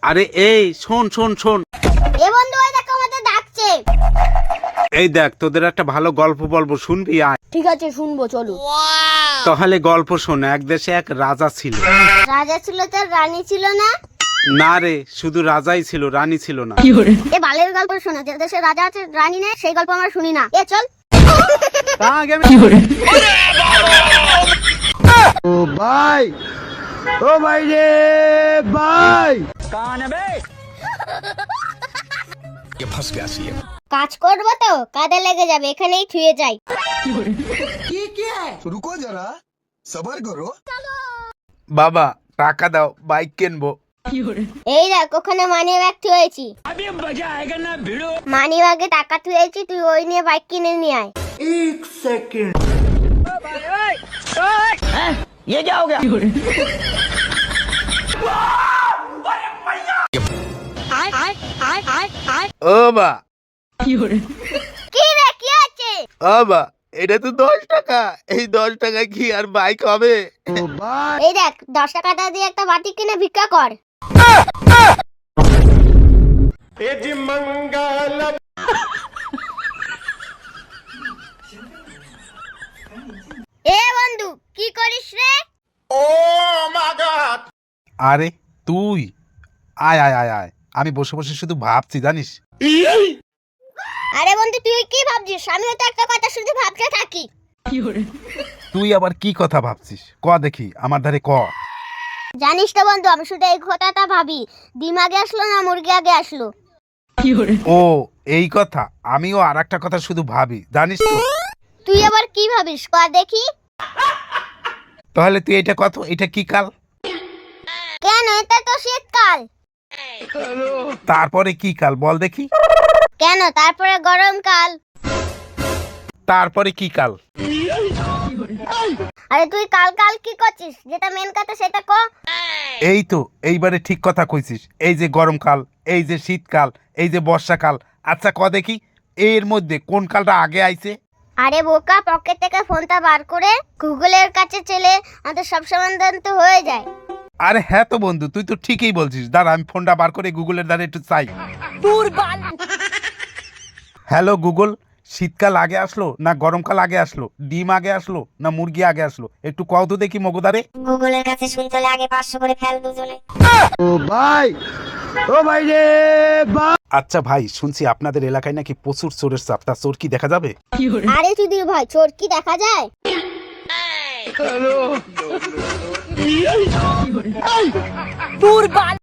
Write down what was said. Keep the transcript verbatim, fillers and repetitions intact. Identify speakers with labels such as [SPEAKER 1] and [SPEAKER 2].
[SPEAKER 1] আরে এই শোন শোন শোন
[SPEAKER 2] এ বন্ধু ওই দেখো আমাদের ডাকছে।
[SPEAKER 1] এই দেখ তোদের একটা ভালো গল্প বলবো, শুনবি? আয়।
[SPEAKER 2] ঠিক আছে শুনবো, চলো।
[SPEAKER 1] তাহলে গল্প শোন। এক দেশে এক রাজা ছিল।
[SPEAKER 2] রাজা ছিল তার রানী ছিল না?
[SPEAKER 1] না রে, শুধু রাজাই ছিল, রানী ছিল না।
[SPEAKER 2] এ বালের গল্প শোনো, যে দেশে রাজা আছে রানী নেই, সেই গল্প আমরা শুনি না। এ চল।
[SPEAKER 3] ও ভাই, ও ভাই রে ভাই,
[SPEAKER 2] কাজ করবো তো কাজে লেগে যাবে, এখানেই থুয়ে যাই।
[SPEAKER 3] রুকো যারা, সবার করো।
[SPEAKER 1] বাবা টাকা দাও, বাইক কিনবো।
[SPEAKER 2] এই দেখ ওখানে মানি ব্যাগ থুয়েছি। মানি ব্যাগে টাকা থুয়েছি, তুই ওই নিয়ে বাইক কিনে নিয়ে আয়।
[SPEAKER 3] এক সেকেন্ড।
[SPEAKER 1] ও বা
[SPEAKER 2] কি রে কি আছে?
[SPEAKER 1] ও বা এটা তো দশ টাকা, এই দশ টাকা কি আর বাইক হবে?
[SPEAKER 3] ও ভাই,
[SPEAKER 2] এই দেখ দশ টাকাটা দিয়ে একটা বাটি কিনে ভিক্ষা কর। এ বন্ধু কি করিস রে?
[SPEAKER 1] আরে তুই আয় আয় আয় আয়, আমি বসে বসে শুধু ভাবছি জানিস।
[SPEAKER 2] আরে বন্ধু তুই কি ভাবছিস? আমিও তো একটা কথা শুধু ভাবতে থাকি।
[SPEAKER 1] তুই আবার কি কথা ভাবছিস? ক দেখি, আমার ধারে ক।
[SPEAKER 2] জানিস তো বন্ধু, আমি শুধু এই কথাটা ভাবি, ডিম আগে আসলো না মুরগি আগে আসলো?
[SPEAKER 1] ও এই কথা, আমিও আর একটা কথা শুধু ভাবি জানিস তো।
[SPEAKER 2] তুই আবার কি ভাবিস ক দেখি?
[SPEAKER 1] তাহলে তুই এটা কত, এটা কি কাল?
[SPEAKER 2] কেন, এটা তো শীতকাল।
[SPEAKER 1] তারপরে কি কাল বল দেখি?
[SPEAKER 2] কেন, তারপরে গরমকাল।
[SPEAKER 1] তারপরে কি কাল?
[SPEAKER 2] আরে তুই কাল কাল কি করছিস? যেটা মেন কথা সেটা ক।
[SPEAKER 1] এই তো এইবারে ঠিক কথা কইছিস। এই যে গরমকাল, এই যে শীতকাল, এই যে বর্ষাকাল। আচ্ছা ক দেখি, এর মধ্যে কোন কালটা আগে আইছে?
[SPEAKER 2] আরে বোকা, পকেট থেকে ফোনটা বার করে গুগলের কাছে চলে আমাদের সব সমাধান তো হয়ে যায়।
[SPEAKER 1] আরে হ্যাঁ তো বন্ধু, তুই তো ঠিকই বলছিস। দাঁড়া আমি ফোনটা বার করে গুগলের দ্বারা একটু চাই। হ্যালো গুগল, শীতকাল আগে আসলো না গরমকাল আগে আসলো? ডিম আগে আসলো না মুরগি আগে আসলো? একটু কও তো দেখি মগদারে।
[SPEAKER 2] গুগলের কাছে শুনতে হলে আগে পাঁচশো করে ফেল দুজনে।
[SPEAKER 3] ও ভাই, ও ভাই রে ভাই।
[SPEAKER 1] আচ্ছা ভাই, শুনছি আপনাদের এলাকায় নাকি প্রচুর চোরের চাপ, তা চোর কি দেখা যাবে?
[SPEAKER 2] আরে সুধীর ভাই, চোর কি দেখা যায়?
[SPEAKER 3] হ্যালো।